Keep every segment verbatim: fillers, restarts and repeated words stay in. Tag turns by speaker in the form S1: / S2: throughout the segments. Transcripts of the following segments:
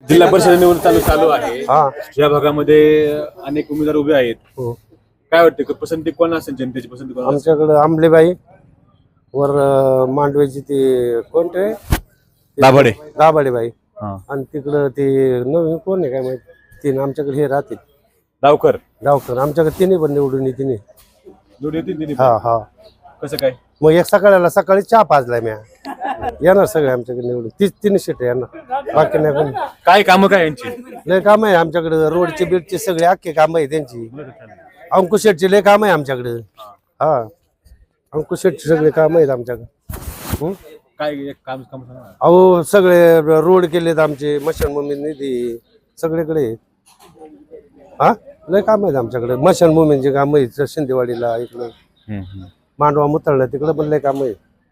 S1: जिल्हा परिषद निवडणूक चालू चालू आहे.
S2: हा
S1: या भागामध्ये अनेक उमेदवार उभे आहेत.
S2: हो.
S1: काय वाटतं की पसंती कोण असेल, जनतेची पसंती कोण असेल?
S2: आमच्याकडे आंबलेबाई वर अं, मांडवेची ते कोणते
S1: दाभाडे.
S2: दाभाडेबाई
S1: हा.
S2: आणि तिकडं ते नवीन कोण आहे काय माहिती तीन आमच्याकडे हे राहतील
S1: डावकर.
S2: गावकर आमच्याकडे तिन्ही पण निवडून येते नाही.
S1: निवडून येतील तिन्ही
S2: हा
S1: पण.
S2: हा
S1: कसं काय?
S2: मग एक सकाळला सकाळी चहा पाजलाय म्या येणार सगळे आमच्याकडे निवडून तीच तीन सीट येणार बाकी नाही कोण.
S1: काय कामं काय यांची?
S2: लय काम आहे आमच्याकडे रोडचे बीडचे सगळे अख्खे काम आहे त्यांची. अंकुश शेटचे लय काम आहे आमच्याकडे. हा अंकुश शेटचे सगळे काम आहेत आमच्याकडे. हं?
S1: काय एक काम काम सांगा ना.
S2: अहो सगळे रोड केलेत आमचे मशानभूमी निधी सगळीकडे आहेत. हा लय काम आहेत आमच्याकडे मशानभूमींचे काम आहेत शिंदेवाडीला इकडं
S1: हम्म, हम्म.
S2: मांडवा मुतळला तिकडे पण लय काम आहे.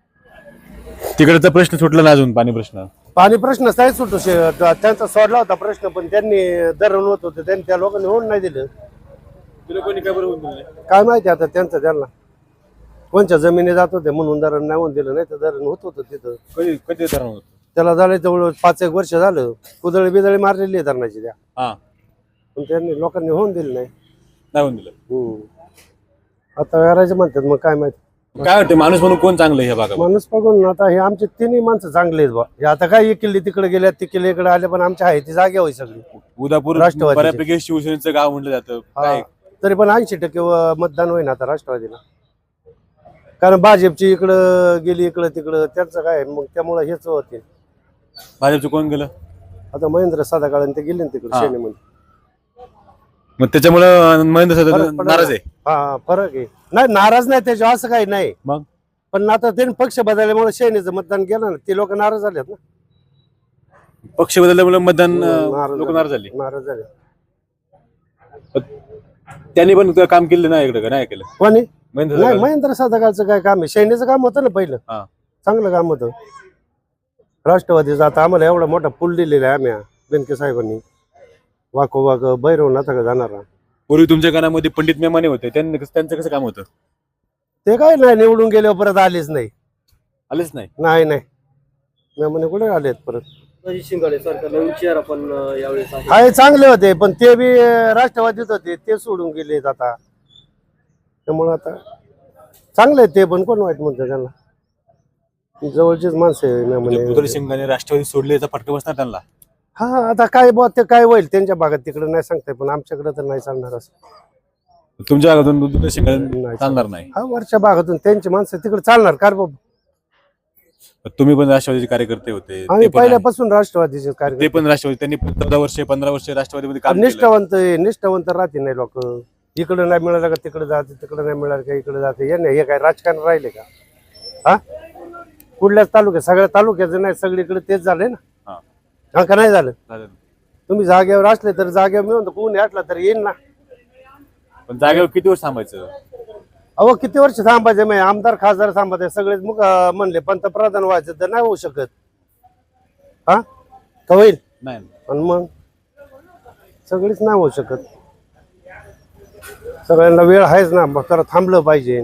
S1: तिकडचा प्रश्न सुटला ना अजून, पाणी प्रश्न?
S2: पाणी प्रश्न काय सुटू शे- त्यांचा सोडला होता प्रश्न पण त्यांनी धरण होत होते त्यांनी त्या लोकांनी होऊन नाही दिलं.
S1: तुला कोणी काय बरोबर बोलले?
S2: काय माहिती आता त्यांचं त्यांना कोणच्या जमिनी जात होते म्हणून धरण नाही होऊन दिलं नाही तर धरण होत होतं तिथं.
S1: कधी कधी धरण होत?
S2: त्याला झालं जवळ पाच एक वर्ष झालं कुदळी बिदळी मारलेली आहे धरणाची त्या
S1: हा.
S2: पण त्यांनी लोकांनी होऊन दिलं नाही.
S1: नाही होऊन दिलं.
S2: हम्म. आता करायचं म्हणतात मग काय माहिती.
S1: काय वाटतं माणूस म्हणून कोण चांगलं आहे ह्या भागात?
S2: माणूस बघून आता हे आमचे तिन्ही माणसं चांगले आहेत बा. हे आता काय एक किल्ली तिकडे गेल्या ती किल्ली इकडे आले पण आमच्या आहे ती जागे होई सगळी.
S1: उदापूर
S2: राष्ट्रवादीचे.
S1: बऱ्यापैकी शिवसेनेचं गाव म्हटलं जातं. काय?
S2: हा. तरी पण ऐंशी टक्के व- मतदान होईना आता राष्ट्रवादीला कारण भाजपची इकडं गेली इकडं तिकडं त्यांचं काय मग त्यामुळे हेच होते.
S1: भाजपचं कोण गेलं?
S2: आता महेंद्र साधा काळ ते गेले ना तिकडे
S1: हा.
S2: सेनेमध्ये.
S1: मग त्याच्यामुळं महेंद्र
S2: फरक
S1: साहेब
S2: पडला.
S1: नाराज आहे.
S2: हा फरक आहे नाही नाराज नाही त्याच्या असं काही नाही
S1: मग
S2: पण आता त्यांनी पक्ष बदलल्यामुळे सेनेचं मतदान केलं ना ते लोक नाराज झालेत ना.
S1: पक्ष बदलल्यामुळे मतदान
S2: नाराज
S1: लोक नाराज झाले.
S2: नाराज झाले.
S1: त्यांनी पण काम केलं नाही इकडे का नाही केलं?
S2: कोणी
S1: महेंद्र
S2: नाही
S1: साहेब.
S2: महेंद्र साधा काळचं काय काम आहे सेनेचं काम होतं ना पहिलं.
S1: हा.
S2: चांगलं काम होतं राष्ट्रवादीचं. आता आम्हाला एवढा मोठा पूल दिलेला आहे आम्ही बेनके साहेबांनी वाको वाक बैरवून आता का जाणार.
S1: पूर्वी तुमच्या गाण्यामध्ये पंडित मेमाने होते, त्यांनी त्यांचं कसं काम होतं?
S2: ते काय नाही निवडून गेल्यावर परत आलेच नाही.
S1: आलेच नाही.
S2: नाही नाही मेमाने कुठे आलेत परत.
S3: शिंगाडे सरकार नवीन चेहरा पण यावेळेस आहे.
S2: आहे चांगले होते पण ते बी राष्ट्रवादीत होते ते सोडून गेलेत आता त्यामुळे आता चांगले आहेत ते पण कोण वाईट म्हणतं त्यांना जवळचीच माणसं आहे मेमाने.
S1: उदय सिंगाने राष्ट्रवादी सोडले याचा फटका बसणार त्यांना.
S2: हा आता काय बुवा ते काय होईल त्यांच्या भागात तिकडे नाही सांगताय पण आमच्याकडे तर नाही चालणार असं.
S1: तुमच्या भागातून उदय सिंगाने
S2: नाही
S1: चालणार नाही.
S2: हा वरच्या भागातून त्यांची माणसं तिकडे चालणार कार बाबा.
S1: तुम्ही पण राष्ट्रवादीचे कार्यकर्ते होते, ते
S2: आम्ही
S1: पण आहे.
S2: पहिल्यापासून राष्ट्रवादीचे
S1: ते
S2: कार्यक्रम
S1: पण राष्ट्रवादी, त्यांनी चौदा वर्षे पंधरा वर्षे राष्ट्रवादीमध्ये काम केलं.
S2: निष्ठावंत आहे, निष्ठावंत राहते नाही लोक. इकडे नाही मिळालं का तिकडे जाते तिकडे नाही मिळालं का इकडे जाते. हे नाही हे काय राजकारण राहिले का? हा कुठल्याच तालुक्यात सगळ्या तालुक्याचं नाही सगळीकडे तेच झालंय ना.
S1: हा.
S2: हा का नाही झालं?
S1: झालं.
S2: तुम्ही जागेवर असले तर जागेवर मिळून कोणी असला तर येईल ना.
S1: पण जागेवर किती वर्ष थांबायचं?
S2: अहो किती वर्ष थांबायचे मग आमदार खासदार थांबायचे सगळेच मग अं, म्हणले पंतप्रधान व्हायचं तर नाही होऊ शकत. हा का होईल?
S1: नाही.
S2: आणि मग सगळीच नाही होऊ शकत. सगळ्यांना वेळ आहेच ना मग तर थांबलं पाहिजे.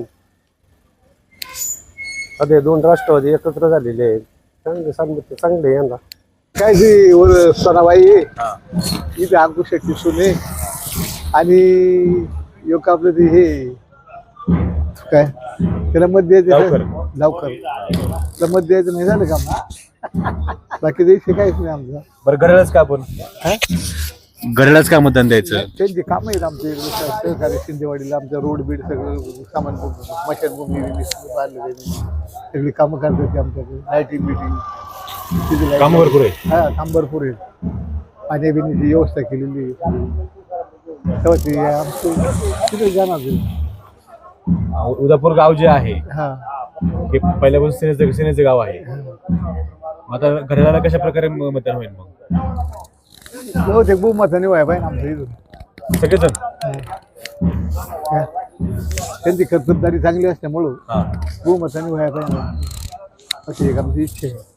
S2: आता हे दोन राष्ट्रवादी एकत्र झालेले आहेत चांगले सांगितले चांगले यांना
S4: काय जी वर सणाबाई
S1: हा.
S4: इथे अंकुश शेट्टी सुने आणि योग आपलं ते हे काय त्याला मत द्यायचं
S1: जावकर.
S4: जावकर त्याला मत द्यायचं नाही झालं काम बाकी द्यायचे काहीच नाही आमचं.
S1: बरं घड्याळच का आपण घड्याळच का मतदान द्यायचं?
S4: त्यांची कामं आहेत आमच्या इकडे सहकारी शिंदेवाडीला आमचं रोड बीड सगळं सामान मशानभूमी बांधले सगळी कामं करतात ते आमच्याकडे लाईटिंग बिटिंग
S1: काम भरपूर आहे.
S4: हा काम भरपूर आहे. पाण्या बिण्याची व्यवस्था केलेली आहे. तेव्हा ते आमचं तिथे जाणार ते.
S1: उदापूर गाव जे आहे
S4: हा
S1: हे पहिल्यापासून सेनेचं सेनेचं गाव आहे. मग आता घड्याळाला कशा प्रकारे म- मतदान होईल मग?
S4: बहुतेक बहुमताने व्हाय पाहिजे आमच्या इथून
S1: सगळेजण.
S4: हा. त्यांची कर्तबदारी चांगली असल्यामुळं
S1: हा.
S4: बहुमताने व्हाय पाहिजे अशी एक आमची इच्छा आहे.